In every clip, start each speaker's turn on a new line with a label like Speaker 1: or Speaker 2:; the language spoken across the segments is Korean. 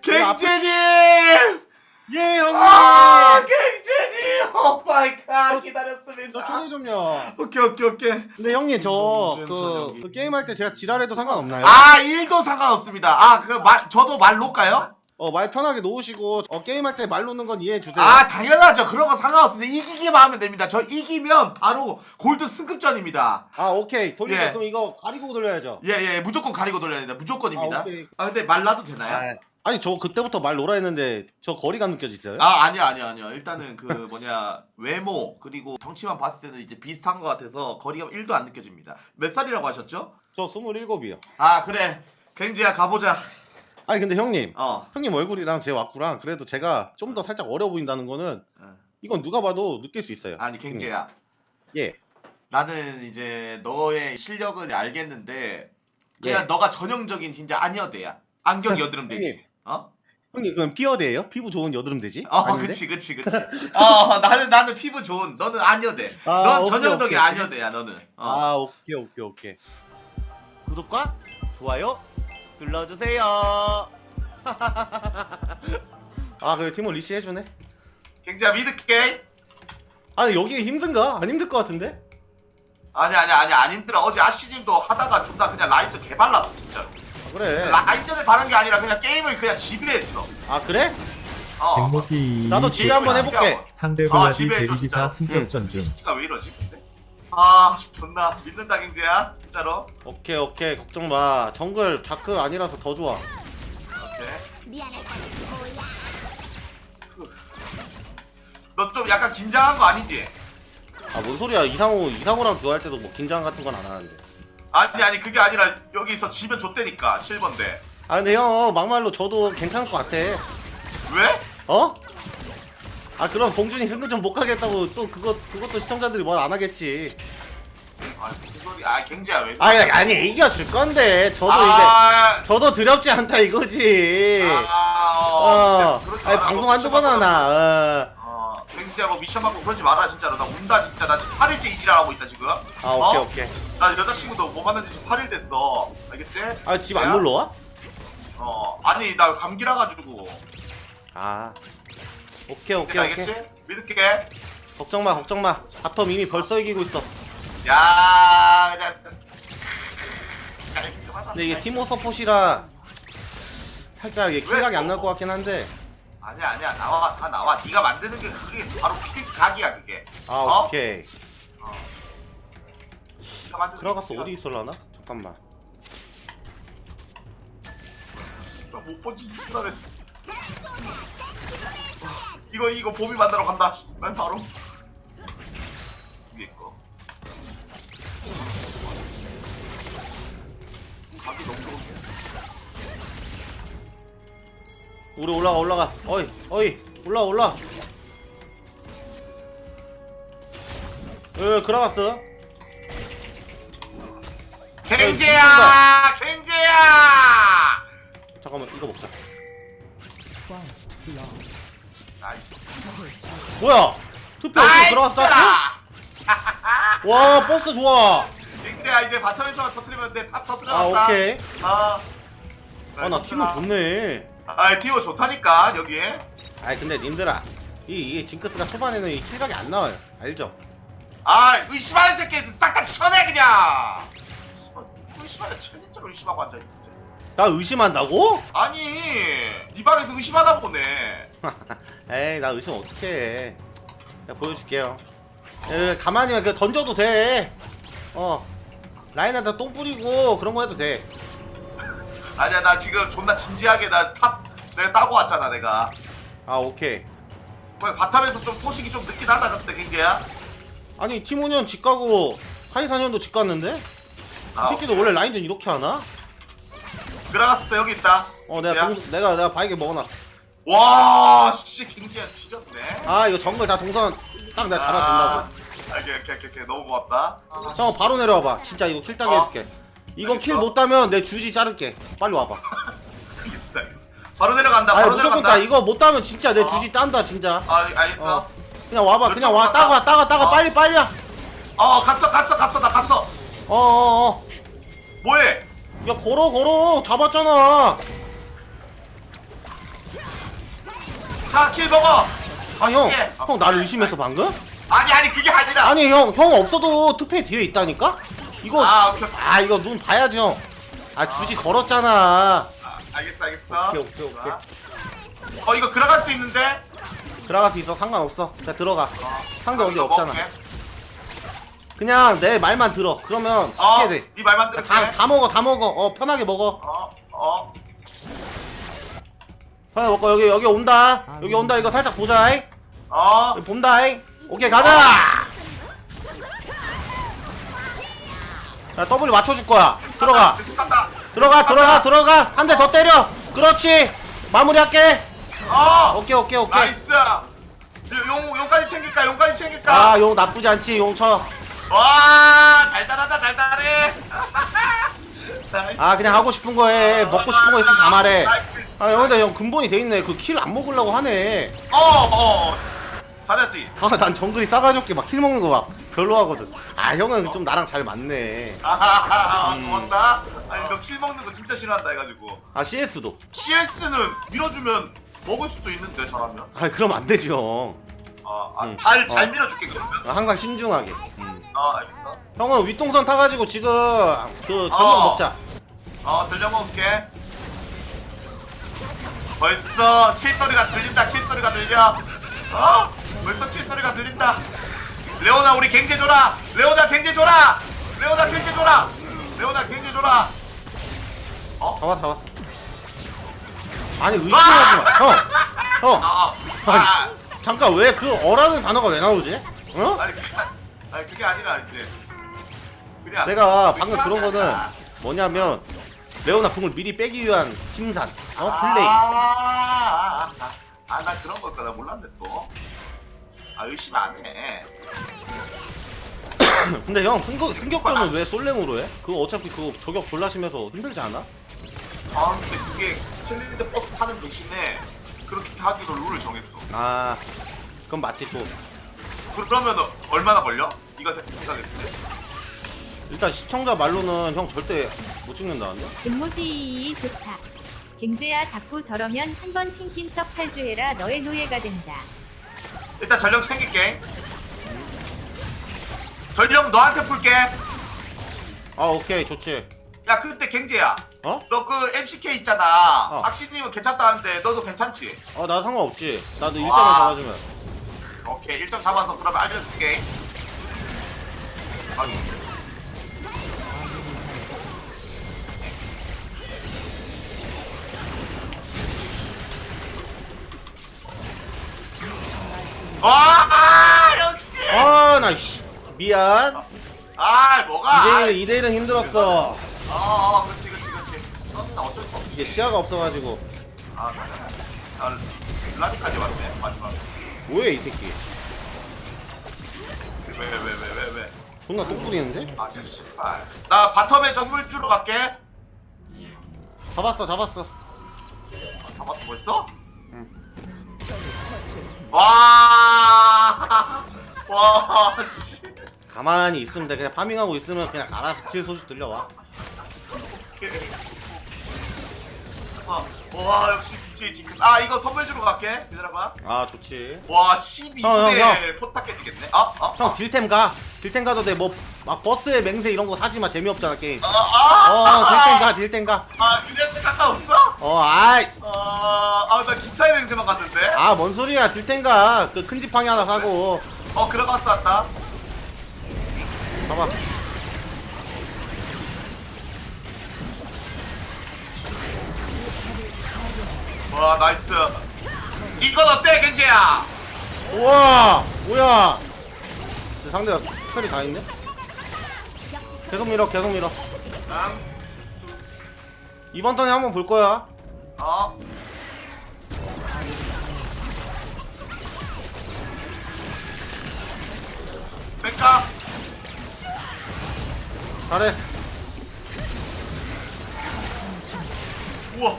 Speaker 1: 갱제님!
Speaker 2: 예 형님.
Speaker 1: 갱제님! 오 마이 갓, 기다렸습니다.
Speaker 2: 저 초대 좀요.
Speaker 1: 오케이.
Speaker 2: 근데 형님 저
Speaker 1: 저기.
Speaker 2: 그 게임할 때 제가 지랄해도 상관없나요?
Speaker 1: 아, 1도 상관없습니다. 저도 말 놓을까요?
Speaker 2: 말 편하게 놓으시고 게임할 때 말 놓는 건 이해해 주세요.
Speaker 1: 아, 당연하죠. 그런 거 상관없습니다. 이기기만 하면 됩니다. 저 이기면 바로 골드 승급전입니다.
Speaker 2: 아 오케이 돌리죠.
Speaker 1: 예.
Speaker 2: 그럼 이거 가리고 돌려야죠.
Speaker 1: 예, 무조건 가리고 돌려야 된다. 무조건입니다.
Speaker 2: 아, 오케이.
Speaker 1: 근데 말 놔도 되나요?
Speaker 2: 아니 저 그때부터 말 놓으라 했는데 저 거리감 느껴지세요?
Speaker 1: 아니요. 일단은 외모 그리고 덩치만 봤을 때는 이제 비슷한 것 같아서 거리가 1도 안 느껴집니다. 몇 살이라고 하셨죠?
Speaker 2: 저 27이요.
Speaker 1: 아, 그래. 갱지야, 가보자.
Speaker 2: 아니 근데 형님
Speaker 1: 어.
Speaker 2: 형님 얼굴이랑 제 왁구랑 그래도 제가 좀 더 살짝 어려 보인다는 거는 이건 누가 봐도 느낄 수 있어요.
Speaker 1: 아니, 갱지야.
Speaker 2: 예.
Speaker 1: 나는 이제 너의 실력은 알겠는데 그냥
Speaker 2: 예.
Speaker 1: 너가 전형적인 진짜 아니어대야. 안경 여드름 되지.
Speaker 2: 형님.
Speaker 1: 어?
Speaker 2: 형님 그럼 피어대예요? 피부 좋은 여드름 되지?
Speaker 1: 그치. 나는 피부 좋은. 너는 아니어대.
Speaker 2: 아,
Speaker 1: 넌
Speaker 2: 오케이,
Speaker 1: 전형적인
Speaker 2: 오케이.
Speaker 1: 아니어대야, 너는.
Speaker 2: 아 오케이. 구독과 좋아요 눌러주세요. 아 그래 팀원 리시 해주네.
Speaker 1: 갱지야, 믿을게.
Speaker 2: 아니 여기 힘든가? 안 힘들 것 같은데?
Speaker 1: 아니, 안 힘들어. 어제 아씨님도 하다가 존나 그냥 라인도 개발랐어, 진짜로.
Speaker 2: 그래.
Speaker 1: 라인전에 바른 게 아니라 그냥 게임을 그냥 지배했어.
Speaker 2: 아 그래?
Speaker 3: 백목이
Speaker 2: 나도 지뢰 한번 해볼게.
Speaker 3: 상대방이
Speaker 1: 지배해줘,
Speaker 3: 대리기사
Speaker 1: 진짜.
Speaker 3: 승격전 중.
Speaker 1: 진짜 왜 이러지, 근데? 존나 믿는다, 갱지야. 진짜로.
Speaker 2: 오케이 걱정 마. 정글 자크 아니라서 더 좋아.
Speaker 1: 오케이.
Speaker 4: 미안할 거는 몰라.
Speaker 1: 너 좀 약간 긴장한 거 아니지?
Speaker 2: 아 뭔 소리야? 이상호랑 듀할 때도 뭐 긴장 같은 건 안 하는데.
Speaker 1: 아니 그게 아니라 여기서 지면 좆대니까 실버인데.
Speaker 2: 아 근데 형 막말로 저도 괜찮을 것 같아.
Speaker 1: 왜?
Speaker 2: 어? 아 그럼 봉준이 승급전 못 가겠다고 또 그것도 시청자들이 뭘 안 하겠지.
Speaker 1: 무슨 소리? 갱지야 왜?
Speaker 2: 아니 이겨줄 건데 저도 이제 저도 두렵지 않다 이거지. 아니 방송 한두 번 하나.
Speaker 1: 갱지야 뭐 미션 받고 그러지 마라 진짜로. 나 운다 진짜. 나 지금 8일째 이지랄하고 있다 지금.
Speaker 2: 오케이.
Speaker 1: 나 여자친구도 못 만난 지 지금 8일 됐어. 알겠지?
Speaker 2: 아 집 안 놀러 와?
Speaker 1: 아니 나 감기라 가지고.
Speaker 2: 오케이.
Speaker 1: 알겠지? 믿을게.
Speaker 2: 걱정 마. 바텀 이미 벌써 이기고 있어.
Speaker 1: 야, 그냥.
Speaker 2: 근데 이게 티모 서폿이라 살짝 이게 킬각이 안 날 것 같긴 한데.
Speaker 1: 아니야 다 나와. 네가 만드는 게 그게 바로 각이야 그게.
Speaker 2: 오케이.
Speaker 1: 네가 만드는
Speaker 2: 들어갔어.
Speaker 1: 게
Speaker 2: 어디 있을라나? 잠깐만.
Speaker 1: 못 본지 누나래. 이거 봄이 만나러 간다. 난 바로 위에 거. 각이 너무 좋은데.
Speaker 2: 우리 올라가. 어이 올라. 들어갔어.
Speaker 1: 갱제야!
Speaker 2: 잠깐만 이거 먹자.
Speaker 1: 나이스.
Speaker 2: 뭐야? 투표 어떻게 들어갔어? 와 버스 좋아.
Speaker 1: 갱제야 이제 바텀에서만 터뜨리면 돼. 탑 터뜨려놨다.
Speaker 2: 오케이. 나
Speaker 1: 팀
Speaker 2: 팀은 좋네.
Speaker 1: 팀은 좋다니까 여기에.
Speaker 2: 근데 님들아 이 징크스가 초반에는 이 킬각이 안 나와요. 알죠?
Speaker 1: 의심하는 새끼 싹 다 쳐내 그냥. 의심하냐 챌린저로 의심하고 앉아있는데.
Speaker 2: 나 의심한다고?
Speaker 1: 아니 네 방에서 의심하나 보네.
Speaker 2: 에이 나 의심 어떡해. 내가 보여줄게요. 가만히만 그냥 던져도 돼. 라인에다 똥 뿌리고 그런 거 해도 돼.
Speaker 1: 아니야 나 지금 존나 진지하게 내가 따고 왔잖아 내가.
Speaker 2: 오케이.
Speaker 1: 바텀에서 좀 소식이 좀 늦긴 하다 그때 갱제야.
Speaker 2: 아니 티모년 집 가고 카이사년도 집 갔는데? 이 새끼도 원래 라인전 이렇게 하나?
Speaker 1: 들어갔을 때 여기 있다.
Speaker 2: 내가 바이게 먹어놨어.
Speaker 1: 와 씨 갱제야 뒤졌네.
Speaker 2: 이거 정글 다 동선 딱 내가 잡아준다고.
Speaker 1: 오케이 너무 고맙다.
Speaker 2: 형 바로 내려와봐. 진짜 이거 킬 따게 해줄게. 이거 킬 못 따면 내 주지 자를게. 빨리 와봐.
Speaker 1: 알겠어. 바로 내려간다. 바로
Speaker 2: 무조건
Speaker 1: 내려간다.
Speaker 2: 따. 이거 못 따면 진짜 내 주지 딴다 진짜.
Speaker 1: 알겠어.
Speaker 2: 그냥 와봐. 그냥 와. 따가 빨리야.
Speaker 1: 갔어 나 갔어.
Speaker 2: 뭐해? 야 걸어 잡았잖아.
Speaker 1: 자, 킬 먹어.
Speaker 2: 아 형,
Speaker 1: 맛있게.
Speaker 2: 형 나를 의심했어 방금?
Speaker 1: 아니 그게 아니라.
Speaker 2: 아니 형 없어도 투페 뒤에 있다니까? 이거
Speaker 1: 오케이.
Speaker 2: 이거 눈 봐야지 형. 아 주지 걸었잖아.
Speaker 1: 알겠어.
Speaker 2: 오케이.
Speaker 1: 자. 이거 들어갈 수 있는데.
Speaker 2: 들어갈 수 있어 상관없어. 그냥 들어가. 상대 어디
Speaker 1: 이거
Speaker 2: 없잖아.
Speaker 1: 먹을게.
Speaker 2: 그냥 내 말만 들어. 그러면 쉽게 돼.
Speaker 1: 네 말만 들을게.
Speaker 2: 다 먹어. 편하게 먹어. 편하게 먹고 여기 온다. 여기 온다. 이거 살짝 보자. 여기 본다. 오케이 가자. 야 W 맞춰줄 거야. 들어가. 들어가. 한 대 더 때려. 그렇지. 마무리할게. 오케이.
Speaker 1: 나이스. 용까지 챙길까?
Speaker 2: 아 용 나쁘지 않지. 용 쳐.
Speaker 1: 와, 달달해.
Speaker 2: 아 그냥 하고 싶은 거 해. 먹고 싶은 거 있으면 다 말해. 아 형 근데 형 근본이 돼 있네. 그 킬 안 먹으려고 하네.
Speaker 1: 잘했지.
Speaker 2: 난 정글이 싸가지 없게 막 킬 먹는 거 막 별로 하거든. 아 형은 좀 나랑 잘 맞네.
Speaker 1: 고맙다. 아니 너 킬 먹는 거 진짜 싫어한다 해가지고.
Speaker 2: 아 CS도.
Speaker 1: CS는 밀어주면 먹을 수도 있는데 잘하면.
Speaker 2: 아 그럼 안 되지 형.
Speaker 1: 잘 밀어줄게 그러면.
Speaker 2: 항상 신중하게.
Speaker 1: 알겠어.
Speaker 2: 형은 윗동선 타가지고 지금 그 저녁 먹자.
Speaker 1: 들려 먹을게. 벌써 킬 소리가 들린다. 벌써 킬 소리가 들린다. 레오나 우리 갱제 줘라. 레오나 갱제 줘라.
Speaker 2: 잡았어. 아니 의심하지 마. 형. 아니, 잠깐 왜 그 어라는 단어가 왜 나오지? 어?
Speaker 1: 아니 그게 아니라 이제 그냥
Speaker 2: 내가 방금 그런
Speaker 1: 의심하지
Speaker 2: 거는
Speaker 1: 않아.
Speaker 2: 뭐냐면 레오나 궁을 미리 빼기 위한 심산. 플레이.
Speaker 1: 나 그런 걸까 나 몰랐네 또. 의심 안 해.
Speaker 2: 근데 형 승격전은 왜 솔랭으로 해? 그거 어차피 그거 저격 졸라 심해서 힘들지 않아?
Speaker 1: 근데 그게 챌린저 버스 타는 대신에 그렇게 하기로 룰을 정했어.
Speaker 2: 그건 맞지 또.
Speaker 1: 그러면 얼마나 걸려? 네가 생각했을 때?
Speaker 2: 일단 시청자 말로는 형 절대 못 찍는다는데?
Speaker 4: 김모지 좋다. 갱제야 자꾸 저러면 한번 튕긴 척 탈주해라. 너의 노예가 된다.
Speaker 1: 일단 전령 챙길게. 전령 너한테 풀게.
Speaker 2: 오케이 좋지.
Speaker 1: 야 그때 갱제야.
Speaker 2: 어?
Speaker 1: 너 그 MCK 있잖아.
Speaker 2: 어.
Speaker 1: 악신님은 괜찮다는데 너도 괜찮지?
Speaker 2: 나 상관없지. 나도 1점만
Speaker 1: 와.
Speaker 2: 잡아주면.
Speaker 1: 오케이 1점 잡아서 그러면 알려줄게. 확인. 와 역시.
Speaker 2: 나 씨. 미안.
Speaker 1: 뭐가?
Speaker 2: 2대1은 힘들었어.
Speaker 1: 그렇지. 나 어쩔 수 없지.
Speaker 2: 이게 시야가 없어가지고.
Speaker 1: 라디까지 왔네 마지막.
Speaker 2: 뭐야 이 새끼.
Speaker 1: 왜?
Speaker 2: 존나 똥 뿌리는데?
Speaker 1: 씨발. 나 바텀에 정글 주러 갈게.
Speaker 2: 잡았어.
Speaker 1: 잡았어 벌써?
Speaker 2: 응.
Speaker 1: 와, 씨.
Speaker 2: 가만히 있으면 돼. 그냥 파밍하고 있으면 그냥 알아서 킬 소식 들려와.
Speaker 1: 와, 역시 BJ 징크. 이거 선물 주러 갈게. 기다려봐.
Speaker 2: 좋지.
Speaker 1: 와,
Speaker 2: 형.
Speaker 1: 12분에 포탑 깨지겠네.
Speaker 2: 형 딜템 가도 돼. 뭐 막 버스에 맹세 이런 거 사지 마. 재미없잖아 게임. 딜템 가.
Speaker 1: 유리한테 가까웠어? 나 기사의 맹세만 갔는데.
Speaker 2: 뭔 소리야. 딜템 가. 그 큰 지팡이 하나 사고.
Speaker 1: 그라가스 왔다.
Speaker 2: 봐봐.
Speaker 1: 와, 나이스. 이건 어때, 겐지야?
Speaker 2: 우와 뭐야. 상대가 철이 다 있네. 계속 밀어.
Speaker 1: 응.
Speaker 2: 이번 턴에 한번 볼 거야.
Speaker 1: 뺄까?
Speaker 2: 잘해.
Speaker 1: 우와.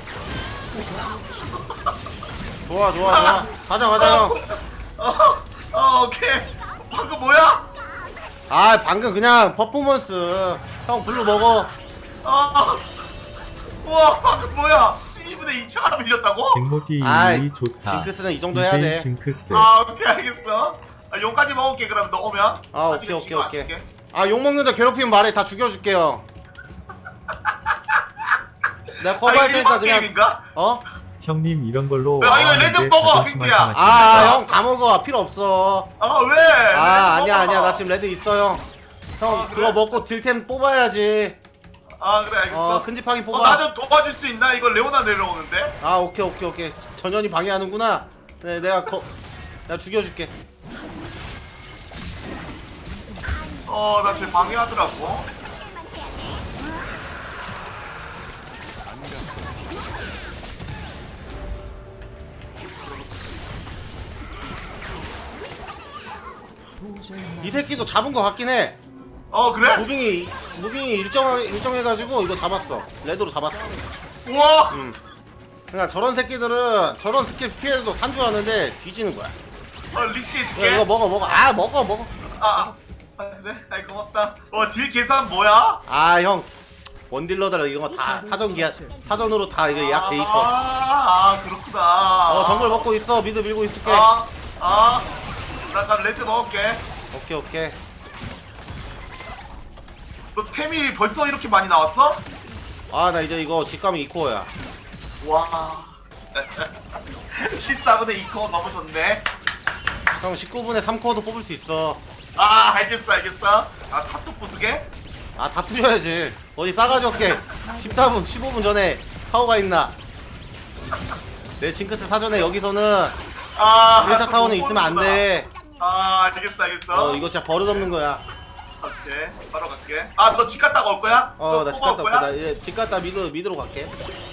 Speaker 2: 좋아. 가자 형.
Speaker 1: 오케이. 방금 뭐야?
Speaker 2: 방금 그냥 퍼포먼스. 형 블루 먹어.
Speaker 1: 우와, 방금 뭐야? 12분의 2차가 밀렸다고?
Speaker 3: 백모기
Speaker 2: 아이,
Speaker 3: 좋다.
Speaker 2: 징크스는 이 정도 해야
Speaker 3: DJ
Speaker 2: 돼.
Speaker 3: 징크스.
Speaker 1: 아 오케이 알겠어. 아, 용까지 먹을게 그럼 너 오면.
Speaker 2: 아,
Speaker 1: 나중에
Speaker 2: 오케이,
Speaker 1: 지금
Speaker 2: 오케이.
Speaker 1: 안 줄게.
Speaker 2: 아, 욕 먹는다 괴롭히면 말해. 다 죽여줄게요. 내가 커버할 테니까 그냥.
Speaker 1: 게임인가?
Speaker 2: 어?
Speaker 3: 형님 이런 걸로
Speaker 1: 야, 이거
Speaker 3: 와봤는데
Speaker 1: 레드 먹어,
Speaker 3: 자존심
Speaker 1: 킹키야.
Speaker 3: 상하신다.
Speaker 2: 아, 형 다 먹어. 필요 없어.
Speaker 1: 아 왜?
Speaker 2: 아,
Speaker 1: 레드
Speaker 2: 아니야,
Speaker 1: 먹어.
Speaker 2: 아니야. 나 지금 레드 있어, 형. 형,
Speaker 1: 아, 그래?
Speaker 2: 그거 먹고 딜템 뽑아야지.
Speaker 1: 아 그래 알겠어.
Speaker 2: 큰 지팡이 뽑아.
Speaker 1: 나 좀 도와줄 수 있나? 이거 레오나 내려오는데.
Speaker 2: 아, 오케이. 전현이 방해하는구나. 네, 내가 죽여줄게.
Speaker 1: 나 쟤 방해하더라고.
Speaker 2: 이 새끼도 잡은 거 같긴 해.
Speaker 1: 그래?
Speaker 2: 무빙이 일정해가지고 이거 잡았어. 레드로 잡았어.
Speaker 1: 우와.
Speaker 2: 그러니까 저런 새끼들은 저런 스킬 피해도 산주하는데 뒤지는 거야.
Speaker 1: 리스키
Speaker 2: 야,
Speaker 1: 해줄게.
Speaker 2: 이거 먹어. 아, 먹어.
Speaker 1: 아 그래? 아이 고맙다. 딜 계산 뭐야?
Speaker 2: 아, 형. 원딜러들 이거 다 사전으로 다 이거 예약돼 있어.
Speaker 1: 그렇구나.
Speaker 2: 정글 먹고 있어. 미드 밀고 있을게.
Speaker 1: 나 레드 먹을게.
Speaker 2: 오케이.
Speaker 1: 너 템이 벌써 이렇게 많이 나왔어?
Speaker 2: 아, 나 이제 이거 직감이 이코어야.
Speaker 1: 와. 14분의 2코 너무 좋네.
Speaker 2: 형 19분에 3코어도 뽑을 수 있어.
Speaker 1: 알겠어. 탑도 부수게?
Speaker 2: 아, 다 부셔야지. 어디 싸가지 없게 14분, 15분 전에 타워가 있나? 내 징크스 사전에 여기서는 1차 타워는 있으면 안 돼.
Speaker 1: 알겠어.
Speaker 2: 이거 진짜 버릇없는 거야.
Speaker 1: 오케이. 바로 갈게. 너 집 갔다가 올 거야?
Speaker 2: 나 집 갔다 올게. 나 이제 집 갔다 미드로 갈게.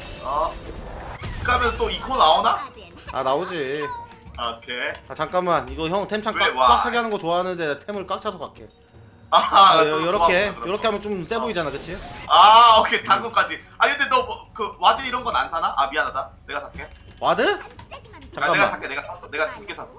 Speaker 1: 집 가면 또 2코 나오나?
Speaker 2: 아, 나오지.
Speaker 1: 오케이.
Speaker 2: 아, 잠깐만. 이거 형 템창
Speaker 1: 왜, 와.
Speaker 2: 꽉 차게 하는 거 좋아하는데 템을 꽉 차서 갈게.
Speaker 1: 또
Speaker 2: 요렇게
Speaker 1: 고마워,
Speaker 2: 요렇게 하면 좀 세 보이잖아, 그치?
Speaker 1: 오케이. 당근까지. 근데 너 그 와드 이런 건 안 사나? 미안하다. 내가 살게.
Speaker 2: 와드?
Speaker 1: 내가
Speaker 2: 잠깐만.
Speaker 1: 살게. 내가 샀어. 내가 2개 샀어.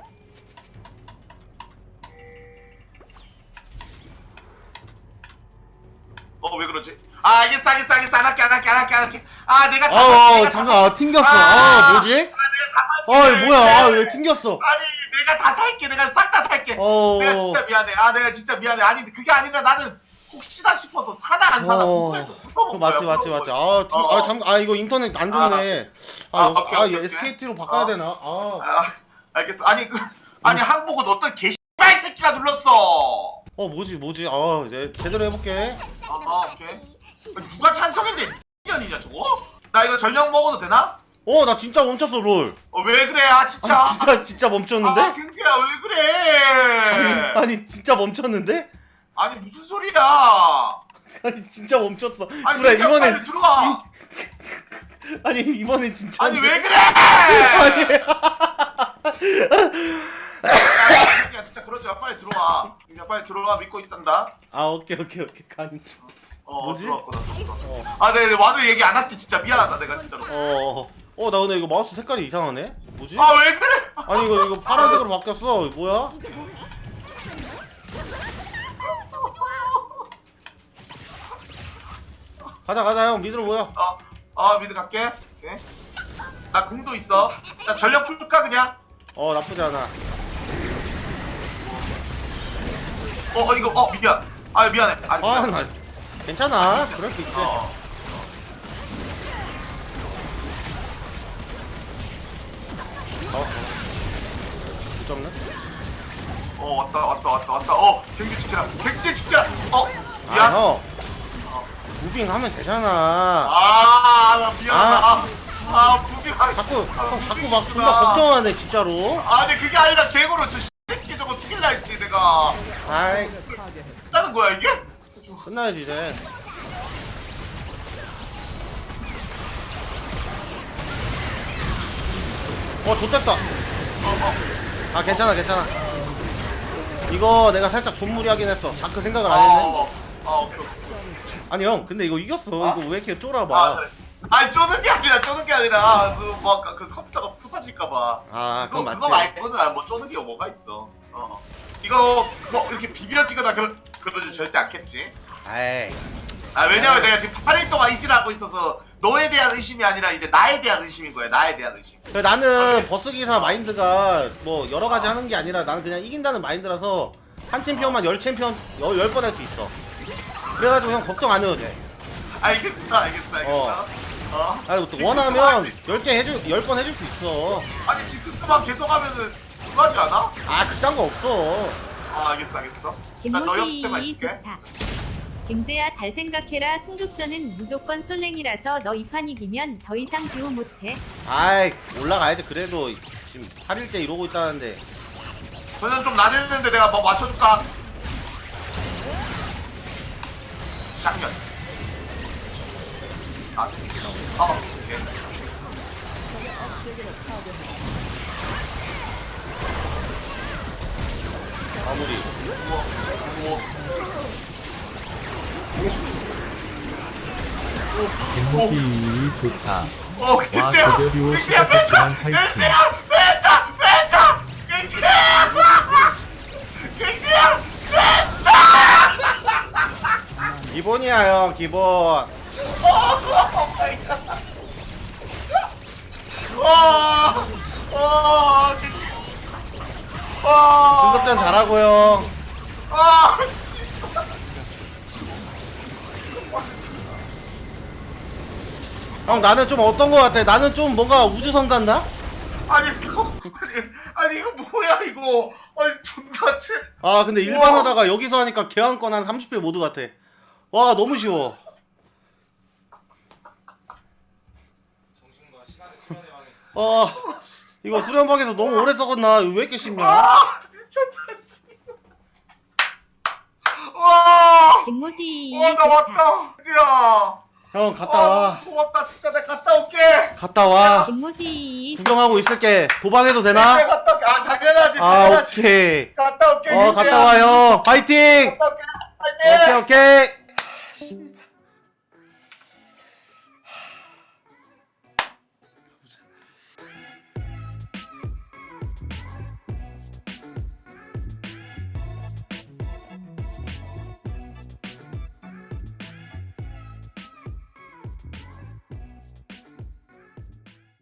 Speaker 1: 왜 그러지? 알겠어. 안 할게. 내가 다 살게.
Speaker 2: 잠깐. 튕겼어. 뭐지?
Speaker 1: 내가 다 살게.
Speaker 2: 뭐야. 왜 튕겼어?
Speaker 1: 내가 다 살게. 내가 싹 다 살게. 내가 진짜 미안해. 내가 진짜 미안해. 아니 그게 아니라 나는 혹시나 싶어서 사나 안 사나 궁금해서 물어본 거야.
Speaker 2: 맞지. 잠깐. 이거 인터넷 안 좋네.
Speaker 1: 오케이.
Speaker 2: SKT로 바꿔야 되나?
Speaker 1: 알겠어. 아니 항복은 어떤 개씨발 새끼가 눌렀어.
Speaker 2: 뭐지? 이제 제대로 해볼게.
Speaker 1: 오케이. 누가 찬성인데 년이냐 저거? 나 이거 전력 먹어도 되나?
Speaker 2: 나 진짜 멈췄어, 롤.
Speaker 1: 왜 그래? 진짜.
Speaker 2: 진짜 멈췄는데?
Speaker 1: 경태야 왜 그래?
Speaker 2: 아니, 진짜 멈췄는데?
Speaker 1: 아니 무슨 소리야?
Speaker 2: 아니, 진짜 멈췄어.
Speaker 1: 아니
Speaker 2: 그래,
Speaker 1: 경태야,
Speaker 2: 이번엔.
Speaker 1: 빨리 들어와.
Speaker 2: 아니, 이번엔 진짜.
Speaker 1: 아니 왜 그래? 야 진짜 그러지 마. 빨리 들어와. 그냥 빨리 들어와. 믿고 있단다.
Speaker 2: 오케이. 가는 중. 뭐지?
Speaker 1: 들어왔구나. 네, 와도 얘기 안 할게. 진짜 미안하다 내가 진짜로.
Speaker 2: 나 근데 이거 마우스 색깔이 이상하네? 뭐지?
Speaker 1: 왜 그래?
Speaker 2: 아니, 이거 파란색으로 바뀌었어. 뭐야? 가자, 형. 미드로 모여.
Speaker 1: 미드 갈게. 오케이. 나 궁도 있어. 나 전력 풀까 그냥?
Speaker 2: 나쁘지 않아.
Speaker 1: 이거 미안. 미안해.
Speaker 2: 나 괜찮아. 그럴 수 있지. 붙잡네?
Speaker 1: 왔다. 경기 지켜라. 미안.
Speaker 2: 형. 무빙 하면 되잖아.
Speaker 1: 나 미안하다. 부비가.
Speaker 2: 자꾸 막 존나 걱정하네, 진짜로.
Speaker 1: 근데 그게 아니라 개고로 저 새끼 저거 죽일라 했지 내가.
Speaker 2: 아이,
Speaker 1: 끝나는 거야 이게?
Speaker 2: 끝나야지, 이제. 좋댔다. 괜찮아. 이거 내가 살짝 존무리하긴 했어. 자크 생각을 안 했네.
Speaker 1: 오케이.
Speaker 2: 아니, 형, 근데 이거 이겼어. 이거 왜 이렇게 쫄아봐.
Speaker 1: 그래. 쪼는 게 아니라 그 컴퓨터가 부서질까봐.
Speaker 2: 그건 맞지.
Speaker 1: 그거 말고는 뭐 쪼는 게 뭐가 있어. 이거 뭐 이렇게 비벼지거나 그러지 절대 않겠지.
Speaker 2: 에이.
Speaker 1: 왜냐면 내가 지금 8일 동안 이질하고 있어서 너에 대한 의심이 아니라 이제 나에 대한 의심인 거야. 나에 대한 의심.
Speaker 2: 그래, 나는 버스 기사 마인드가 뭐 여러 가지 하는 게 아니라 나는 그냥 이긴다는 마인드라서 한 챔피언만 10챔피언 10번 할 수 있어. 그래가지고 형 걱정 안 해도 돼.
Speaker 1: 알겠어.
Speaker 2: 아니 또
Speaker 1: 징크스
Speaker 2: 원하면
Speaker 1: 할수
Speaker 2: 10번 해줄 수 있어.
Speaker 1: 아니 징크스만 계속 하면은 그거하지 않아?
Speaker 2: 아 그딴 거 없어.
Speaker 1: 알겠어. 난 너 옆에만
Speaker 4: 갱모디
Speaker 1: 있을게.
Speaker 4: 좋다. 갱제야 잘 생각해라. 승급전은 무조건 솔랭이라서 너 이 판 이기면 더 이상 듀오 못해.
Speaker 2: 아이 올라가야지. 그래도 지금 8일째 이러고 있다는데.
Speaker 1: 전혀 좀 나댔는데 내가 뭐 맞춰줄까? 샷년. 오케이.
Speaker 2: 마무리.
Speaker 1: 우와.
Speaker 3: 갱목이 좋다. 와
Speaker 1: 갱제야!
Speaker 3: 제대로
Speaker 1: 갱제야
Speaker 3: 시작했지만
Speaker 1: 뺐다!
Speaker 3: 화이팅.
Speaker 1: 뺐다! 갱제야! 갱제야!
Speaker 2: 기본이야 형 기본.
Speaker 1: 갱제.
Speaker 2: 승급전 잘하고요.
Speaker 1: 씨.
Speaker 2: 형 나는 좀 어떤 거 같아? 나는 좀 뭔가 우주선 같나?
Speaker 1: 아니 이거 뭐야 이거? 아니 존나 체.
Speaker 2: 아 근데 일반 하다가 여기서 하니까 개왕권 한 30배 모드 같아. 와 너무 쉬워. 이거 수련방에서 너무 오래 썩었나? 왜 이렇게 쉽냐?
Speaker 1: 미쳤다. 와.
Speaker 4: 갱모디
Speaker 1: 나 왔다. 야.
Speaker 2: 형 갔다 와.
Speaker 1: 고맙다 진짜 내가 갔다 올게.
Speaker 2: 갔다 와.
Speaker 4: 갱모디
Speaker 2: 구경하고 있을게. 도박해도
Speaker 1: 내가
Speaker 2: 되나?
Speaker 1: 갔다 올게. 당연하지.
Speaker 2: 아 오케이.
Speaker 1: 갔다 올게.
Speaker 2: 갔다 와요. 파이팅.
Speaker 1: 갔다 올게. 파이팅.
Speaker 2: 오케이.